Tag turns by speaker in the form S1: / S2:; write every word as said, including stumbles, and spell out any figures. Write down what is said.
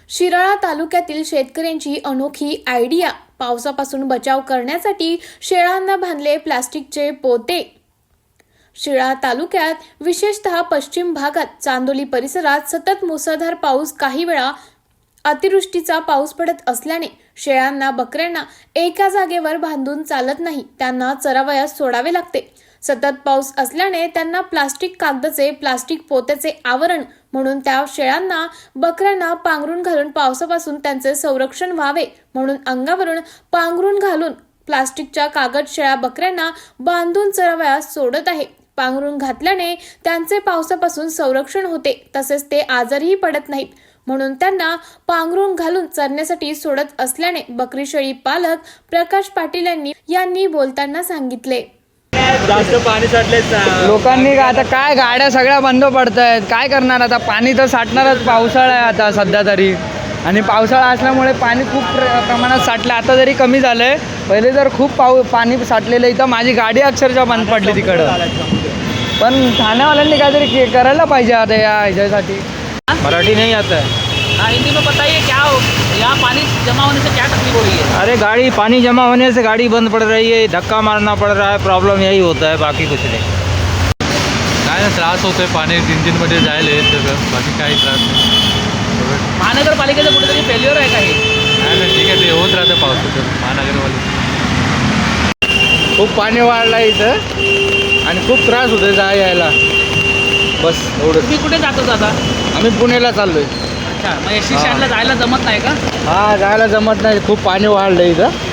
S1: शिराळा तालुक्यातील शेतकऱ्यांची अनोखी आयडिया. पावसापासून बचाव करण्यासाठी शेळ्यांना बांधले प्लास्टिकचे पोते. शिराळा तालुक्यात विशेषतः पश्चिम भागात चांदोली परिसरात सतत मुसळधार पाऊस, काही वेळा अतिवृष्टीचा पाऊस पडत असल्याने शेळ्यांना, बकऱ्यांना एका जागेवर बांधून चालत नाही. त्यांना चरावयास सोडावे लागते. सतत पाऊस असल्याने त्यांना प्लास्टिक कागदाचे, प्लास्टिक पोत्याचे आवरण म्हणून त्या शेळ्यांना, बकऱ्यांना पांघरून घालून पावसापासून त्यांचे संरक्षण व्हावे म्हणून अंगावरून पांघरून घालून प्लास्टिकच्या कागद शेळ्या, बकऱ्यांना बांधून चरावयास सोडत आहे. पांघरून घातल्याने त्यांचे पावसापासून संरक्षण होते, तसेच ते आजारही पडत नाहीत म्हणून त्यांना पांघरून घालून चरण्यासाठी सोडत असल्याने बकरी शेळी पालक प्रकाश पाटील यांनी यांनी बोलताना सांगितले.
S2: जास्त पाणी साठले
S3: लोकांनी आता काय, गाड्या सगळ्या बंद पडत आहेत. काय करणार आता? पाणी तर साठणारच. पावसाळा आहे आता सध्या तरी, आणि पावसाळा असल्यामुळे पाणी खूप प्र प्रमाणात साठलं. आता जरी कमी झालं आहे, पहिले जर खूप पाऊ पाणी साठलेलं. इथं माझी गाडी अक्षरशः बंद पडली तिकडं. पण ठाण्यावाल्यांनी काहीतरी करायला पाहिजे आता या ह्याच्यासाठी.
S2: मराठी नहीं आता है।
S4: हाँ, हिंदी में बताइए क्या हो, यहाँ पानी जमा होने से क्या तकलीफ हो रही है?
S2: अरे गाड़ी पानी जमा होने से गाड़ी बंद पड़ रही है, धक्का मारना पड़ रहा है, प्रॉब्लम यही होता है, बाकी कुछ नहीं.
S5: काय ना त्रास होतोय. पाणी इंजिनमध्ये जायला येत सगळं, बाकी काही त्रास नाही.
S4: महानगरपालिकेचं कुठेतरी फेल्युअर आहे का हे?
S5: नाही नाही, ठीक आहे, ते होत राहतं पावसाचं. महानगरवाले
S3: खूप पाणी वाढलं इथं आणि खूप त्रास होतोय जा यायला. बस एवढं.
S4: तुम्ही कुठे जातो दादा?
S3: आम्ही पुण्याला चाललोय.
S4: अच्छा, मग एस टी स्टँडला जायला जमत नाही का?
S3: हा, जायला जमत नाही. खूप पाणी वाढलं इथं.